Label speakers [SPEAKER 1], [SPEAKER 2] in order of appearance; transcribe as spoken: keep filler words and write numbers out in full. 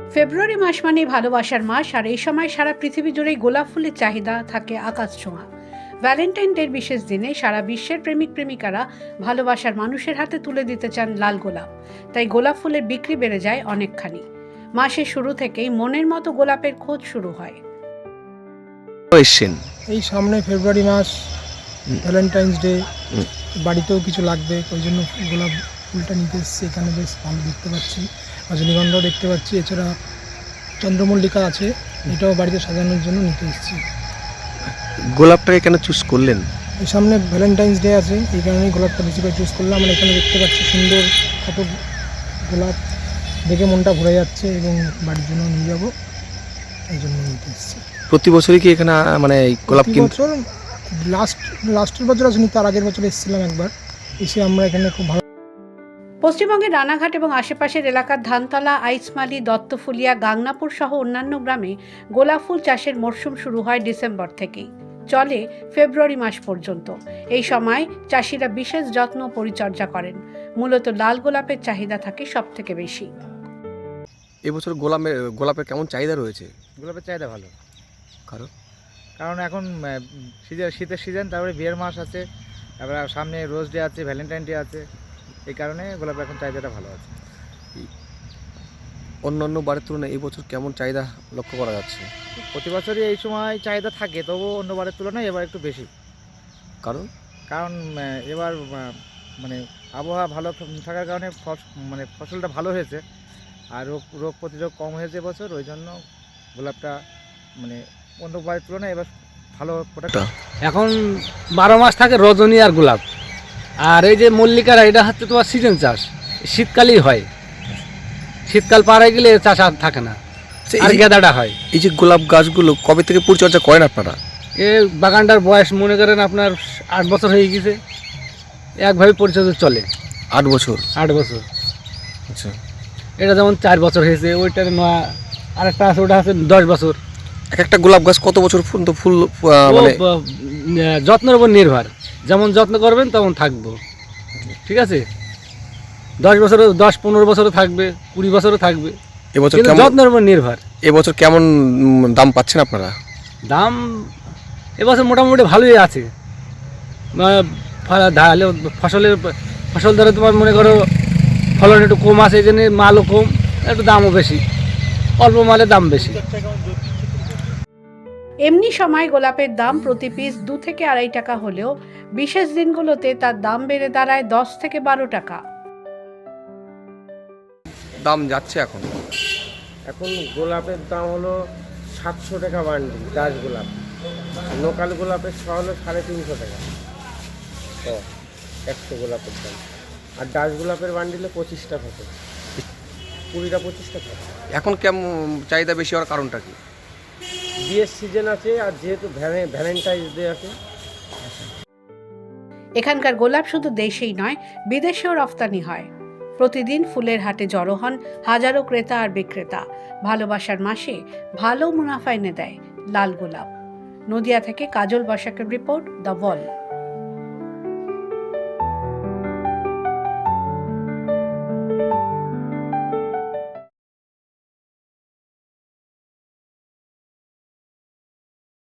[SPEAKER 1] ফেব্রুয়ারি মাস মানেই ভালোবাসার মাস, আর এই সময় সারা পৃথিবী জুড়েই গোলাপ ফুলের চাহিদা থাকে আকাশ ছোঁয়া। ভ্যালেন্টাইন ডের বিশেষ দিনে সারা বিশ্বের প্রেমিক প্রেমিকারা ভালোবাসার মানুষের হাতে তুলে দিতে চান লাল গোলাপ। তাই গোলাপ ফুলের বিক্রি বেড়ে যায় অনেকখানি। মাসের শুরু থেকেই মনের মতো গোলাপের খোঁজ শুরু হয়।
[SPEAKER 2] এসছেন
[SPEAKER 3] এই সামনে ফেব্রুয়ারি মাস, ভ্যালেন্টাইন্স ডে, বাড়িতেও কিছু লাগবে, ওই জন্য গোলাপ ফুলটা নিতে এসেছি। এখানে বেশ ভালো দেখতে পাচ্ছি, রজনীগন্ধাও দেখতে পাচ্ছি, এছাড়া চন্দ্রমল্লিকা আছে, এটাও বাড়িতে সাজানোর জন্য নিতে এসেছি।
[SPEAKER 2] গোলাপটাকে কেন চুজ করলেন?
[SPEAKER 3] এই সামনে ভ্যালেন্টাইন্স ডে আছে, এই কারণেই গোলাপটা বেশি করে চুজ করলাম। আমরা এখানে দেখতে পাচ্ছি সুন্দর কত গোলাপ, দেখে মনটা ভরে যাচ্ছে এবং বাড়ির জন্য নিয়ে যাবো, এই জন্য নিতে এসেছি।
[SPEAKER 2] প্রতি বছরই কি এখানে আ- মানে এই গোলাপ কিনতে?
[SPEAKER 3] বছর লাস্ট লাস্টের বছর আসেনি, তার আগের বছর এসেছিলাম একবার, এসে আমরা এখানে খুব ভালো।
[SPEAKER 1] পশ্চিমবঙ্গের রানাঘাট এবং আশেপাশের এলাকার ধানতলা, আইসমালি, দত্তফুলিয়া, গাংনাপুর সহ অন্যান্য গ্রামে গোলাপ ফুল চাষের মরশুম শুরু হয় ডিসেম্বর থেকেই, চলে ফেব্রুয়ারি মাস পর্যন্ত। এই সময় চাষিরা বিশেষ যত্ন ও পরিচর্যা করেন। মূলত লাল গোলাপের চাহিদা থাকে সব থেকে বেশি।
[SPEAKER 2] এবছর গোলাপের গোলাপের কেমন চাহিদা রয়েছে?
[SPEAKER 4] গোলাপের চাহিদা ভালো,
[SPEAKER 2] কারণ
[SPEAKER 4] কারণ এখন সিজন শীতের সিজন, তারপরে বিয়ের মাস আছে, তারপরে সামনে রোজ ডে আছে, ভ্যালেন্টাইন ডে আছে, এই কারণে গোলাপের এখন চাহিদাটা ভালো আছে।
[SPEAKER 2] অন্য অন্য বারের তুলনায় এই বছর কেমন চাহিদা লক্ষ্য করা যাচ্ছে?
[SPEAKER 4] প্রতি বছরই এই সময় চাহিদা থাকে, তবুও অন্যবারের তুলনায় এবার একটু বেশি।
[SPEAKER 2] কারণ
[SPEAKER 4] কারণ আহ, এবার আহ, মানে আবহাওয়া ভালো থাকার কারণে ফস- মানে ফসলটা ভালো হয়েছে, আর রোগ রোগ প্রতিরোধ কম হয়েছে এবছর, ওই জন্য গোলাপটা মানে অন্যবারের তুলনায় এবার ভালো প্রোডাক্ট।
[SPEAKER 5] এখন বারো মাস থাকে রজনী আর গোলাপ, আর এই যে মল্লিকারা এটা হচ্ছে তোমার সিজন চাষ, শীতকালেই হয়। শীতকাল পার হয়ে গেলে চাষ আর থাকে না, আর গেঁদাটা হয়।
[SPEAKER 2] এই যে গোলাপ গাছগুলো কবে থেকে পরিচর্যা করেন আপনারা?
[SPEAKER 5] এ বাগানটার বয়স মনে করেন আপনার আট বছর হয়ে গেছে, একভাবে পরিচর্যা চলে।
[SPEAKER 2] আট বছর?
[SPEAKER 5] আট বছর।
[SPEAKER 2] আচ্ছা,
[SPEAKER 5] এটা যেমন চার বছর হয়েছে, ওইটার নয় আরেকটা আছে, ওটা আছে দশ বছর।
[SPEAKER 2] এক একটা গোলাপ গাছ কত বছর পর্যন্ত ফুল আহ,
[SPEAKER 5] ও
[SPEAKER 2] মানে
[SPEAKER 5] ব- আহ, যত্নের উপর নির্ভর, যেমন যত্ন করবেন তেমন থাকবো। ঠিক আছে, দশ বছর, দশ পনেরো বছরও থাকবে, কুড়ি বছরও থাকবে,
[SPEAKER 2] এবছর
[SPEAKER 5] কিন্তু
[SPEAKER 2] কেমন
[SPEAKER 5] যত্নের উপর নির্ভর।
[SPEAKER 2] এবছর কেমন উম, দাম পাচ্ছেন আপনারা?
[SPEAKER 5] দাম এবছর মোটামুটি ভালোই আছে। আহ, ফ- ধালে ফসলের ফসল ধরে তোমার মনে করো ফলন একটু কম আছে, এই জন্য মালও কম, একটু দামও বেশি, অল্প মালের দাম বেশি।
[SPEAKER 1] এমনি সময় গোলাপের দাম প্রতি পিস দু থেকে আড়াই টাকা হলেও বিশেষ দিনগুলোতে তার দাম বেড়ে দাঁড়ায় দশ থেকে বারো টাকা।
[SPEAKER 2] দাম যাচ্ছে এখন?
[SPEAKER 6] এখন গোলাপের দাম হলো সাতশো টাকা বান্ডিল, ডাচ গোলাপ। লোকাল গোলাপের ছ হলো সাড়ে তিনশো টাকা ও একশো গোলাপের দাম। আর ডাচ গোলাপের বান্ডিলে পঁচিশটা থাকে, কুড়িটা পঁচিশটা থাকে।
[SPEAKER 2] এখন কেমন চাহিদা বেশি হওয়ার কারণটা কি?
[SPEAKER 6] বিয়ের সিজন আছে, আর যেহেতু ভ্যালেন্টাইন্স ডে আছে।
[SPEAKER 1] এখানকার গোলাপ শুধু দেশেই নয়, বিদেশেও রফতানি হয়। প্রতিদিন ফুলের হাটে জড়ো হন হাজারো ক্রেতা আর বিক্রেতা। ভালোবাসার মাসে ভালো মুনাফা এনে দেয় লাল গোলাপ। নদিয়া থেকে কাজল বসাকের রিপোর্ট, দ্য ওয়াল।